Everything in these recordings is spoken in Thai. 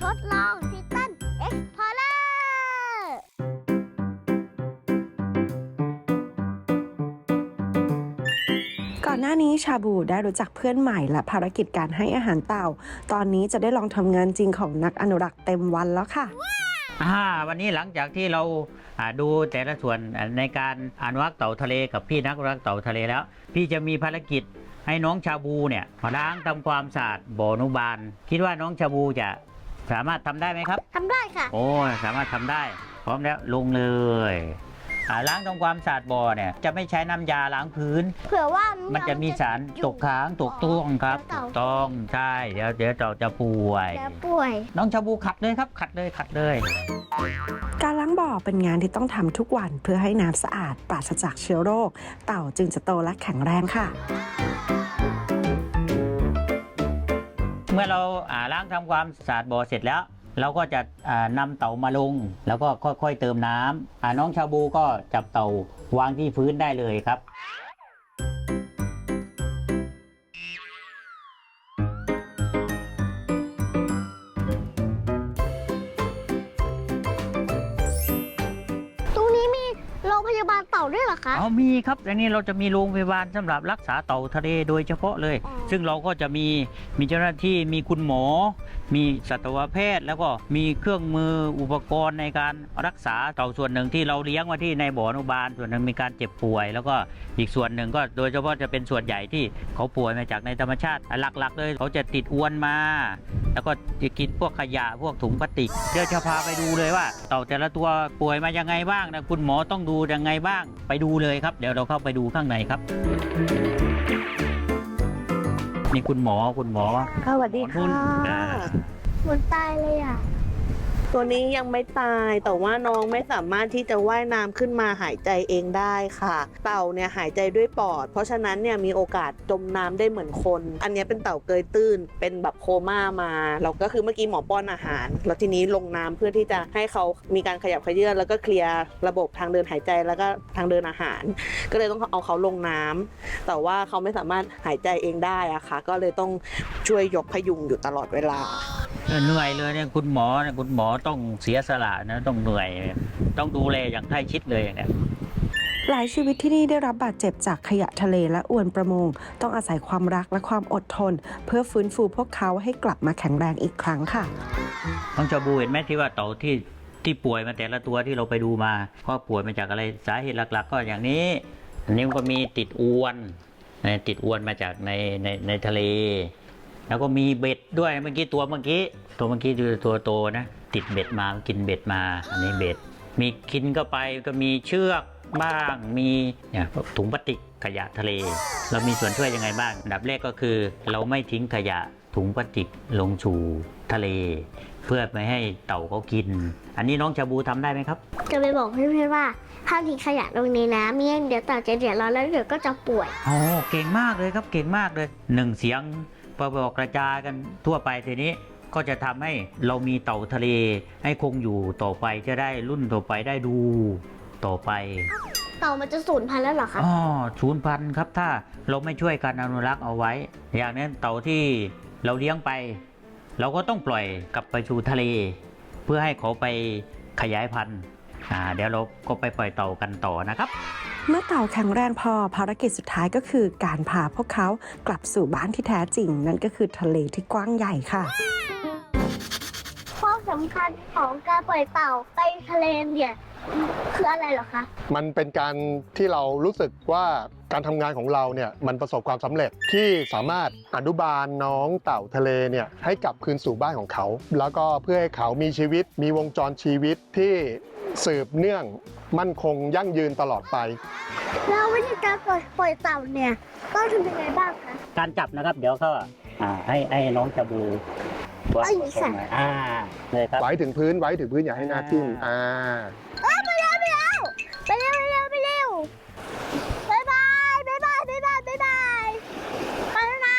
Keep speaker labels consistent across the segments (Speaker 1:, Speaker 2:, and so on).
Speaker 1: ทดลองทิตันเอ็กพอร์เลอร์
Speaker 2: ก่อนหน้านี้ชาบูได้รู้จักเพื่อนใหม่และภารกิจการให้อาหารเต่าตอนนี้จะได้ลองทำงานจริงของนักอนุรักษ์เต็มวันแล้วค่ะ
Speaker 3: วันนี้หลังจากที่เราดูแต่ละส่วนในการอนุรักษ์เต่าทะเลกับพี่นักอนุรักษ์เต่าทะเลแล้วพี่จะมีภารกิจให้น้องชาบูเนี่ยมาล้างทำความสะอาดบ่ออนุบาลคิดว่าน้องชาบูจะสามารถทำได้ไหมครับ
Speaker 1: ทำได้ค่ะ
Speaker 3: โอ้สามารถทำได้พร้อมแล้วลงเลยล้างทำความสะอาดบ่อเนี่ยจะไม่ใช้น้ำยาล้างพื้น
Speaker 1: เผื่อว่า
Speaker 3: มันจะมีสารตกค้างตกต้วงครับถูกต้องใช่เดี๋ยวเต่าจะป่วยน้องชาบูขัดเลยครับขัดเลย
Speaker 2: การล้างบ่อเป็นงานที่ต้องทำทุกวันเพื่อให้น้ำสะอาดปราศจากเชื้อโรคเต่าจึงจะโตและแข็งแรงค่ะ
Speaker 3: เมื่อเราล้างทำความสะอาดบ่อเสร็จแล้วเราก็จะนำเต่ามาลงแล้วก็ค่อยๆเติมน้ำน้องชาบูก็จับเต่าวางที่พื้นได้เลยครับ
Speaker 1: ตรงนี้มีโรงพยาบาลเต่าด้วยเหรอคะ
Speaker 3: มีครับอันนี้เราจะมีโรงพยาบาลสำหรับรักษาเต่าทะเลโดยเฉพาะเลยซึ่งเราก็จะมีเจ้าหน้าที่มีคุณหมอมีสัตวแพทย์แล้วก็มีเครื่องมืออุปกรณ์ในการรักษาเต่าส่วนหนึ่งที่เราเลี้ยงไว้ที่ในบ่ออนุบาลส่วนหนึ่งมีการเจ็บป่วยแล้วก็อีกส่วนหนึ่งก็โดยเฉพาะจะเป็นส่วนใหญ่ที่เขาป่วยมาจากในธรรมชาติหลักๆเลยเขาจะติดอวนมาแล้วก็จะกินพวกขยะพวกถุงพลาสติกเดี๋ยวจะพาไปดูเลยว่าเต่าแต่ละตัวป่วยมายังไงบ้างนะคุณหมอต้องดูยังไงบ้างไปดูเลยครับเดี๋ยวเราเข้าไปดูข้างในครับมีคุณหมอ
Speaker 2: สวัสดีค่ะ
Speaker 1: มันตายเลยอ่ะ
Speaker 4: ตัวนี้ยังไม่ตายแต่ว่าน้องไม่สามารถที่จะว่ายน้ำขึ้นมาหายใจเองได้ค่ะเต่าเนี่ยหายใจด้วยปอดเพราะฉะนั้นเนี่ยมีโอกาสจมน้ำได้เหมือนคนอันนี้เป็นเต่าเกยตื้นเป็นแบบโคม่ามาเราก็คือเมื่อกี้หมอป้อนอาหารแล้วทีนี้ลงน้ำเพื่อที่จะให้เขามีการขยับเขยื้อนแล้วก็เคลียร์ระบบทางเดินหายใจแล้วก็ทางเดินอาหารก็เลยต้องเอาเขาลงน้ำแต่ว่าเขาไม่สามารถหายใจเองได้อะค่ะก็เลยต้องช่วยยกพยุงอยู่ตลอดเวลา
Speaker 3: เหนื่อยเลยเนี่ยคุณหมอต้องเสียสละนะต้องเหนื่อยต้องดูแลอย่างใกล้ชิดเลยเนี่ย
Speaker 2: หลายชีวิตที่นี่ได้รับบาดเจ็บจากขยะทะเลและอวนประมงต้องอาศัยความรักและความอดทนเพื่อฟื้นฟูพวกเขาให้กลับมาแข็งแรงอีกครั้งค่ะ
Speaker 3: น้องชาบูเห็นไหมที่ว่าเต่าที่ป่วยมาแต่ละตัวที่เราไปดูมาก็ป่วยมาจากอะไรสาเหตุหลักๆก็อย่างนี้อันนี้มันก็มีติดอวนมาจากในทะเลแล้วก็มีเบ็ดด้วยเมื่อกี้ตัวเมื่อกี้ตัวโตนะติดเบ็ดมากินเบ็ดมาอันนี้เบ็ดมีกินเข้าไปก็มีเชือกบ้างมีเนี่ยถุงพลาสติกขยะทะเลเรามีส่วนช่วยยังไงบ้างอันดับแรกก็คือเราไม่ทิ้งขยะถุงพลาสติกลงสู่ทะเลเพื่อไม่ให้เต่าเขากินอันนี้น้องชาบูทำได้ไหมครับ
Speaker 1: จะไปบอกเพื่อนๆว่าห้ามทิ้งขยะลงในน้ำไม่งั้นเดี๋ยวเต่าจะเดือดร้อนแล้วเดี๋ยวก็จะป่วย
Speaker 3: เก่งมากเลยครับเก่งมากเลย1เสียงพอบอกกระจายกันทั่วไปทีนี้ก็จะทำให้เรามีเต่าทะเลให้คงอยู่ต่อไปจะได้รุ่นต่อไปได้ดูต่อไป
Speaker 1: เต่ามันจะสูญพันธุ์แล้วเหรอคะ
Speaker 3: สูญพันธุ์ครับถ้าเราไม่ช่วยกันอนุรักษ์เอาไว้อย่างนั้นเต่าที่เราเลี้ยงไปเราก็ต้องปล่อยกลับไปสู่ทะเลเพื่อให้เขาไปขยายพันธุ์เดี๋ยวเราก็ไปปล่อยเต่ากันต่อนะครับ
Speaker 2: เมื่อเต่าแข็งแรงพอภารกิจสุดท้ายก็คือการพาพวกเขากลับสู่บ้านที่แท้จริงนั่นก็คือทะเลที่กว้างใหญ่ค่ะ
Speaker 1: ความสำคัญของการปล่อยเต่าไปทะเลเนี่ยคืออะไรเหรอคะ
Speaker 5: มันเป็นการที่เรารู้สึกว่าการทำงานของเราเนี่ยมันประสบความสำเร็จที่สามารถอนุบาลน้องเต่าทะเลเนี่ยให้กลับคืนสู่บ้านของเขาแล้วก็เพื่อให้เขามีชีวิตมีวงจรชีวิตที่สืบเนื่องมั่นคงยั่งยืนตลอดไป
Speaker 1: แล้ววิธีการปล่อยเต่าเนี่ยต้องทำยังไงบ้างคะ
Speaker 3: การจับนะครับเดี๋ยวก็ให้น้องชาบู
Speaker 1: ไอ้สั่น
Speaker 3: เลยครับ
Speaker 5: ไว้ถึงพื้นอย่าให้หน้าทิ่ม
Speaker 1: ไปเร็วบ๊ายบายไปแล้วนะ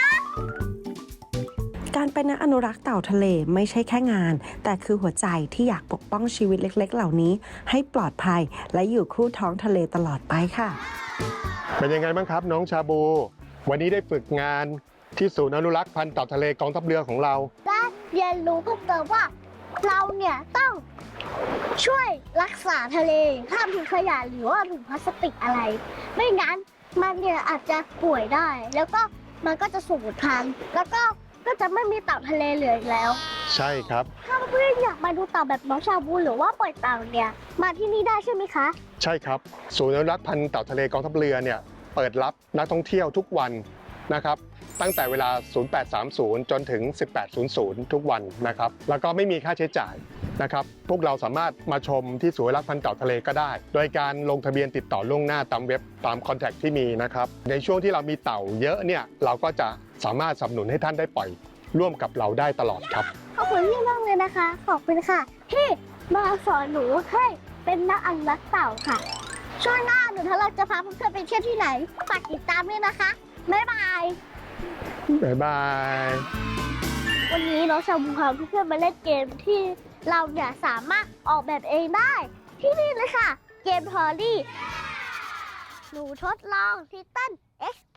Speaker 2: การเป็นนักอนุรักษ์เต่าทะเลไม่ใช่แค่งานแต่คือหัวใจที่อยากปกป้องชีวิตเล็กๆเหล่านี้ให้ปลอดภัยและอยู่คู่ท้องทะเลตลอดไปค่ะ
Speaker 5: เป็นยังไงบ้างครับน้องชาบูวันนี้ได้ฝึกงานที่ศูนย์อนุรักษ์พันธุ์เต่าทะเลกองทัพเรือของเรา
Speaker 1: และเรียนรู้เพิ่มเติมว่าเราเนี่ยต้องช่วยรักษาทะเลห้ามทิ้งขยะหรือว่าถุงพลาสติกอะไร ไม่งั้นมันเนี่ยอาจจะป่วยได้ แล้วก็มันก็จะสูญพันธุ์แล้วก็จะไม่มีเต่าทะเลเหลืออีกแล้ว
Speaker 5: ใช่ครับ
Speaker 1: ถ้าเพื่อนอยากมาดูเต่าแบบน้องชาบูหรือว่าปล่อยเต่าเนี่ยมาที่นี่ได้ใช่ไหมคะ
Speaker 5: ใช่ครับศูนย์อนุรักษ์พันธุ์เต่าทะเลกองทัพเรือเนี่ยเปิดรับนักท่องเที่ยวทุกวันนะครับตั้งแต่เวลา 0830 จนถึง 1800 ทุกวันนะครับแล้วก็ไม่มีค่าใช้จ่ายนะครับพวกเราสามารถมาชมที่ศูนย์อนุรักษ์พันธุ์เต่าทะเลก็ได้ โดยการลงทะเบียนติดต่อล่วงหน้าตามเว็บตามคอนแทคที่มีนะครับในช่วงที่เรามีเต่าเยอะเนี่ยเราก็จะสามารถสนับสนุนให้ท่านได้ปล่อยร่วมกับเราได้ตลอดครับ
Speaker 1: ขอบคุณพี่มากเลยนะคะ ขอบคุณค่ะที่มาสอนหนูให้เป็นนักอนุรักษ์เต่าค่ะ ช่วงหน้าหนูทะเลาะจะพาเพื่อนๆไปเที่ยวที่ไหนฝากติดตามด้วยนะคะ บ๊ายบาย
Speaker 5: บ๊ายบาย
Speaker 1: วันนี้น้องชาบูพาเพื่อนๆมาเล่นเกมที่เราเนี่ยสามารถออกแบบเองได้ ที่นี่เลยค่ะ เกมทอรี่หนูทดลองทิตัน X